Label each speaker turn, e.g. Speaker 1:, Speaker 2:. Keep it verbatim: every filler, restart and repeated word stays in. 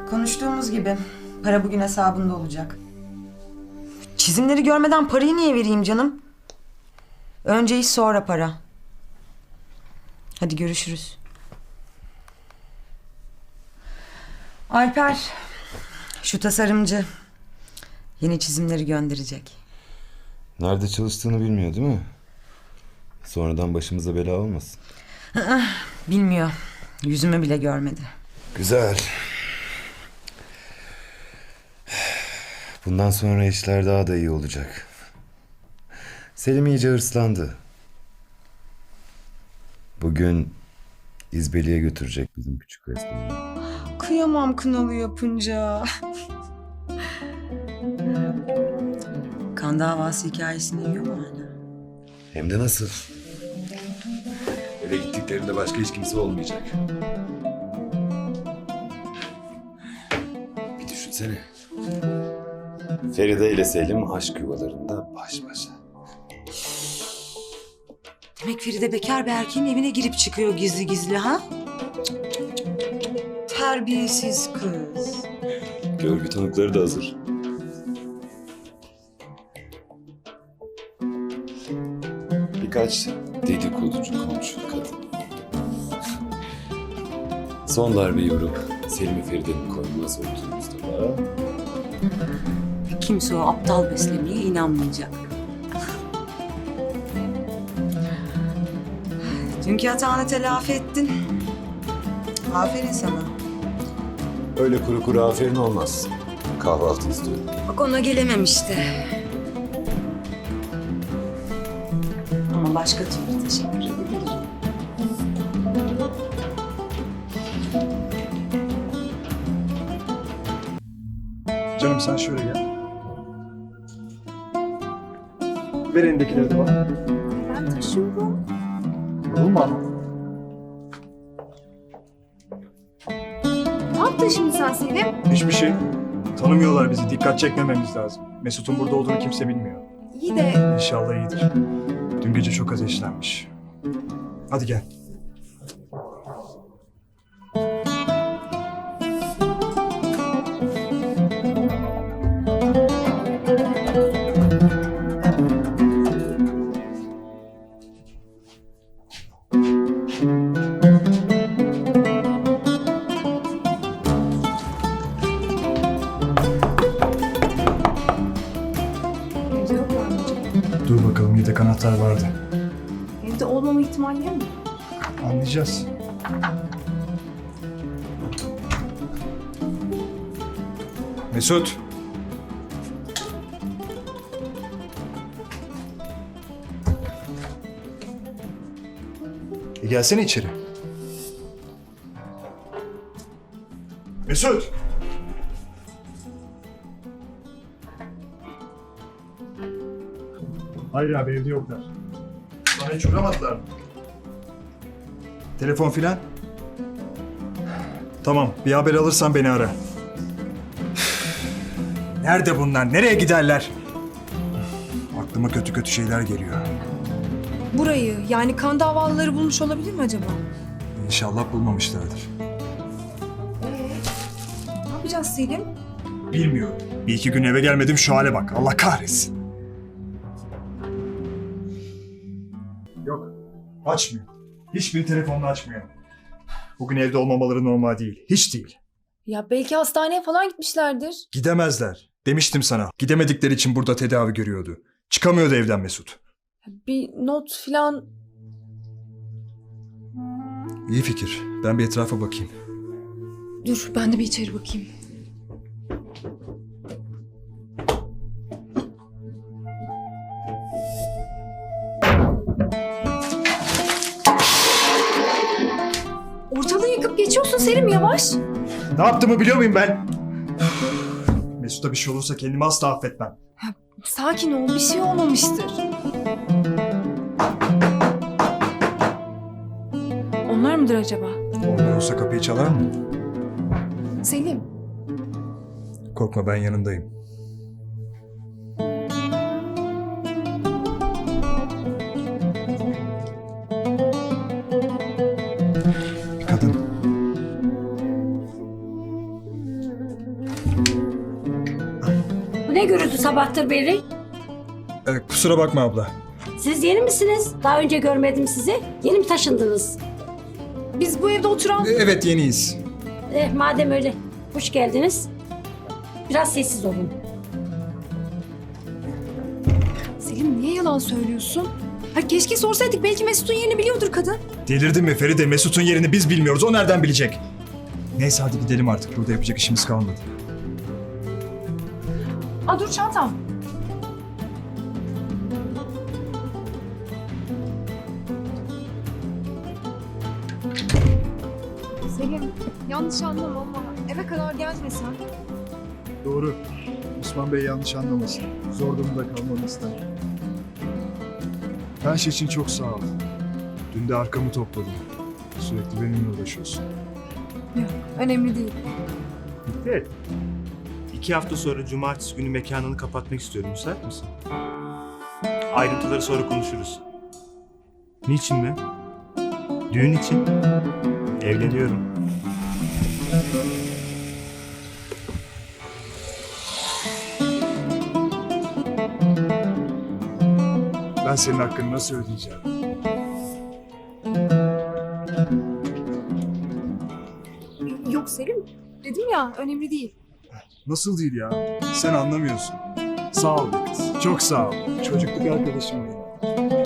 Speaker 1: Konuştuğumuz gibi para bugün hesabında olacak. Çizimleri görmeden parayı niye vereyim canım? Önce iş sonra para. Hadi görüşürüz. Alper, şu tasarımcı yeni çizimleri gönderecek.
Speaker 2: Nerede çalıştığını bilmiyor değil mi? Sonradan başımıza bela olmasın.
Speaker 1: Bilmiyor. Yüzümü bile görmedi.
Speaker 2: Güzel. Bundan sonra işler daha da iyi olacak. Selim iyice hırslandı. Bugün İzbeli'ye götürecek bizim küçük resmini.
Speaker 1: Kıyamam kınalı yapınca. Kan davası hikayesini yiyor mu hala?
Speaker 2: Hem de nasıl? Eve gittiklerinde başka hiç kimse olmayacak. Bir düşünsene. Feride ile Selim aşk yuvalarında baş başa.
Speaker 1: Demek Feride bekar bir erkeğin evine girip çıkıyor gizli gizli ha? Terbiyesiz kız.
Speaker 2: Görgü tanıkları da hazır. Birkaç dedikoducu komşu kadın. Son darbeyi vurup Selim'i Feride'nin koynuna soktuğumuzda da...
Speaker 1: Kimse o aptal beslemeye inanmayacak. Dünkü hatanı telafi ettin. Aferin sana.
Speaker 2: Öyle kuru kuru aferin olmaz. Kahvaltı istiyorum.
Speaker 1: Bak ona gelemem işte. Ama başka türlü teşekkür ederim.
Speaker 3: Canım sen şöyle gel. Ver elindekileri de bana.
Speaker 4: Ben taşıyorum.
Speaker 3: Yorulma ama.
Speaker 4: Ne yaptın şimdi sen Selim?
Speaker 3: Hiçbir şey. Tanımıyorlar bizi. Dikkat çekmememiz lazım. Mesut'un burada olduğunu kimse bilmiyor.
Speaker 4: İyi de
Speaker 3: İnşallah iyidir. Dün gece çok ateşlenmiş. Hadi gel.
Speaker 4: evde yok mu anneciğim?
Speaker 3: Dur bakalım, yedek anahtar vardı.
Speaker 4: Evde olmama ihtimalleri mi?
Speaker 3: Anlayacağız. Mesut. E gelsene içeri. Mesut. Hayır abi, evde yoklar. Bana hiç uğramadılar mı? Telefon filan? Tamam, bir haber alırsan beni ara. Nerede bunlar? Nereye giderler? Aklıma kötü kötü şeyler geliyor.
Speaker 4: Burayı, yani kan davalıları bulmuş olabilir mi acaba?
Speaker 3: İnşallah bulmamışlardır.
Speaker 4: Ne yapacağız Selim?
Speaker 3: Bilmiyorum. Bir iki gün eve gelmedim, şu hale bak. Allah kahretsin. Yok, açmıyor. Hiçbir telefonunu açmıyor. Bugün evde olmamaları normal değil. Hiç değil.
Speaker 4: Ya belki hastaneye falan gitmişlerdir.
Speaker 3: Gidemezler. Demiştim sana. Gidemedikleri için burada tedavi görüyordu. Çıkamıyordu evden Mesut.
Speaker 4: Bir not falan.
Speaker 3: İyi fikir. Ben bir etrafa bakayım.
Speaker 4: Dur ben de bir içeri bakayım. Ortalığı yıkıp geçiyorsun Selim, yavaş.
Speaker 3: Ne yaptığımı biliyor muyum ben? Mesut'a bir şey olursa kendimi asla affetmem.
Speaker 4: Sakin ol, bir şey olmamıştır. Onlar mıdır acaba?
Speaker 3: Onlar olsa kapıyı çalar mı?
Speaker 4: Selim.
Speaker 3: Korkma, ben yanındayım. Bir kadın.
Speaker 5: Ne gürültü sabahtır beri?
Speaker 3: Ee, kusura bakma abla.
Speaker 5: Siz yeni misiniz? Daha önce görmedim sizi. Yeni mi taşındınız?
Speaker 4: Biz bu evde oturan...
Speaker 3: Ee, evet yeniyiz.
Speaker 5: Eh madem öyle. Hoş geldiniz. Biraz sessiz olun.
Speaker 4: Selim niye yalan söylüyorsun? Ha, keşke sorsaydık, belki Mesut'un yerini biliyordur kadın.
Speaker 3: Delirdin mi Feride? Mesut'un yerini biz bilmiyoruz. O nereden bilecek? Neyse hadi gidelim artık. Burada yapacak işimiz kalmadı.
Speaker 4: Aa dur çantam. Selim yanlış anlama ama eve kadar gelmesen.
Speaker 3: Doğru. Osman Bey yanlış anlamasın. Zor durumda kalmamı ister. Her şey için çok sağ ol. Dün de arkamı topladım. Sürekli benimle uğraşıyorsun.
Speaker 4: Yok önemli değil.
Speaker 6: Evet. İki hafta sonra cumartesi günü mekanını kapatmak istiyorum. Müsait misin? Ayrıntıları sonra konuşuruz. Niçin mi? Düğün için. Evleniyorum.
Speaker 3: Ben senin hakkını nasıl ödeyeceğim?
Speaker 4: Yok Selim, dedim ya önemli değil.
Speaker 3: Nasıl değil ya? Sen anlamıyorsun. Sağ ol be kız. Çok sağ ol. Çocukluk arkadaşım benim.